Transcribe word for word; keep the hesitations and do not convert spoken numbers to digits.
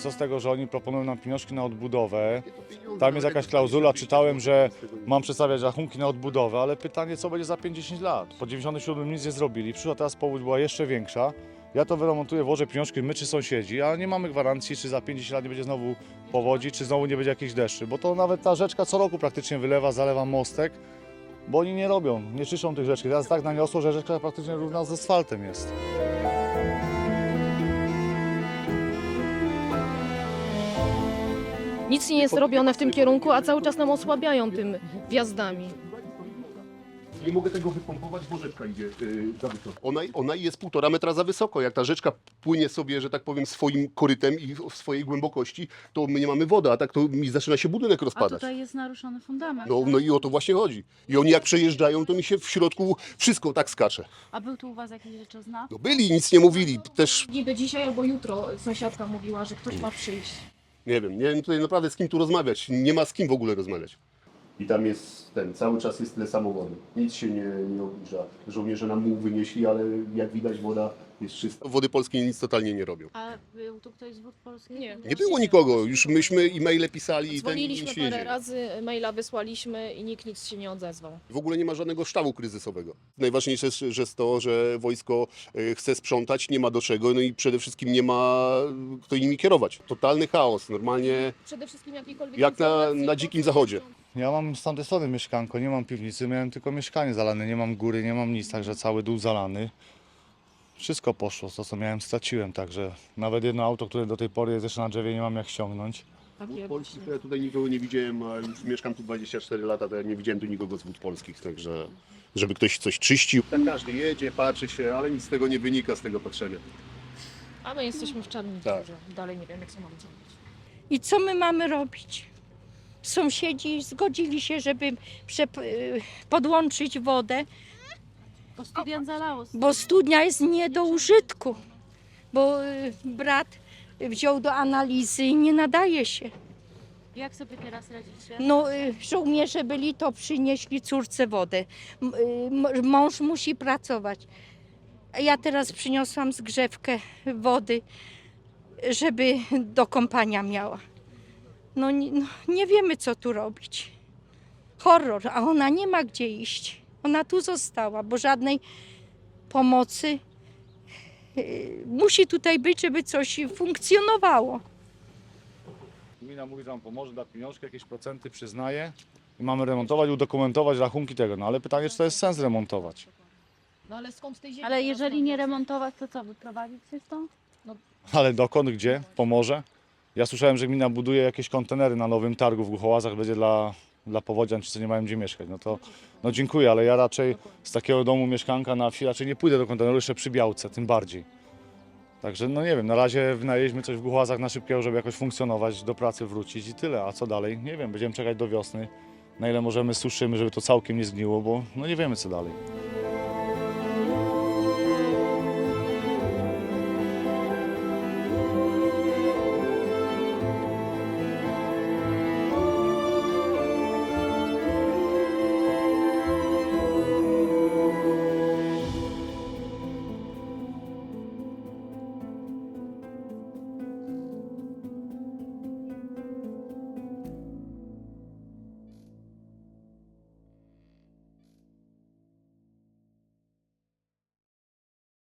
co z tego, że oni proponują nam pieniążki na odbudowę. Tam jest jakaś klauzula, czytałem, że mam przedstawiać rachunki na odbudowę, ale pytanie, co będzie za pięć dziesięć lat. Po dziewięćdziesiątym siódmym nic nie zrobili, przyszła teraz powódź, była jeszcze większa. Ja to wyremontuję, włożę pieniążki, my czy sąsiedzi, a nie mamy gwarancji, czy za pięć dziesięć lat nie będzie znowu powodzi, czy znowu nie będzie jakichś deszczy, bo to nawet ta rzeczka co roku praktycznie wylewa, zalewa mostek, bo oni nie robią, nie czyszczą tych rzeczki. Teraz tak naniosło, że rzeczka praktycznie równa z asfaltem jest. Nic nie jest robione w tym kierunku, a cały czas nam osłabiają tym wjazdami. Nie mogę tego wypompować, bo rzeczka idzie yy, za wysoko. Ona, ona jest półtora metra za wysoko. Jak ta rzeczka płynie sobie, że tak powiem, swoim korytem i w swojej głębokości, to my nie mamy wody, a tak to mi zaczyna się budynek A rozpadać. tutaj jest naruszony fundament. No, no i o to właśnie chodzi. I oni jak przejeżdżają, to mi się w środku wszystko tak skacze. A był tu u was jakiś rzeczozna? No byli, nic nie mówili. Też Niby dzisiaj albo jutro sąsiadka mówiła, że ktoś ma przyjść. nie wiem, nie wiem tutaj naprawdę z kim tu rozmawiać. Nie ma z kim w ogóle rozmawiać. I tam jest ten, cały czas jest tyle samo wody. Nic się nie, nie obniża. Żołnierze nam muł wynieśli, ale jak widać woda jest czysta. Wody polskie nic totalnie nie robią. A był tu ktoś z Wód Polskich? Nie. Nie było nikogo, już myśmy e-maile pisali i ten Dzwoniliśmy nic się nie parę dzieje. razy, maila wysłaliśmy i nikt nic się nie odezwał. W ogóle nie ma żadnego sztabu kryzysowego. Najważniejsze jest że jest to, że wojsko y, chce sprzątać, nie ma do czego, no i przede wszystkim nie ma kto nimi kierować. Totalny chaos, normalnie Przede wszystkim jakiejkolwiek jak na, informacji, na po dzikim co zachodzie. jeżdżą. Ja mam z tamtej strony mieszkanko, nie mam piwnicy, miałem tylko mieszkanie zalane, nie mam góry, nie mam nic, także cały dół zalany. Wszystko poszło, to co miałem straciłem, także nawet jedno auto, które do tej pory jest jeszcze na drzewie, nie mam jak ściągnąć. Takie Polskich ja tutaj nikogo nie widziałem, a już mieszkam tu dwadzieścia cztery lata, to ja nie widziałem tu nikogo z wód polskich, także żeby ktoś coś czyścił. Tak każdy jedzie, patrzy się, ale nic z tego nie wynika, z tego patrzenia. A my jesteśmy w czarnym Tak. dziurze. Dalej nie wiem, jak co mamy zrobić. I co my mamy robić? Sąsiedzi zgodzili się, żeby przep- y, podłączyć wodę, Bo student zalało. bo studnia jest nie do użytku, bo y, brat wziął do analizy i nie nadaje się. Jak sobie teraz radzicie? No, y, żołnierze byli, to przynieśli córce wodę. M- y, m- Mąż musi pracować. A ja teraz przyniosłam zgrzewkę wody, żeby do kąpania miała. No, nie- no nie wiemy, co tu robić. Horror, a ona nie ma gdzie iść. Ona tu została, bo żadnej pomocy y, musi tutaj być, żeby coś funkcjonowało. Gmina mówi, że nam pomoże, da pieniążki, jakieś procenty przyznaje i mamy remontować, udokumentować rachunki tego, no ale pytanie, czy to jest sens remontować. No ale skąd tej ziemi? Ale teraz jeżeli mam? nie remontować, to co, wyprowadzić się stąd? Ale dokąd, gdzie? W Pomorze? Ja słyszałem, że gmina buduje jakieś kontenery na nowym targu w Głuchołazach, będzie dla, dla powodzian, czy co nie mają gdzie mieszkać. No to no dziękuję, ale ja raczej z takiego domu mieszkanka na wsi raczej nie pójdę do konteneru, jeszcze przy Białce, tym bardziej. Także no nie wiem, na razie wynaleźliśmy coś w Głuchołazach na szybkiego, żeby jakoś funkcjonować, do pracy wrócić i tyle. A co dalej? Nie wiem, będziemy czekać do wiosny, na ile możemy suszymy, żeby to całkiem nie zgniło, bo no nie wiemy co dalej.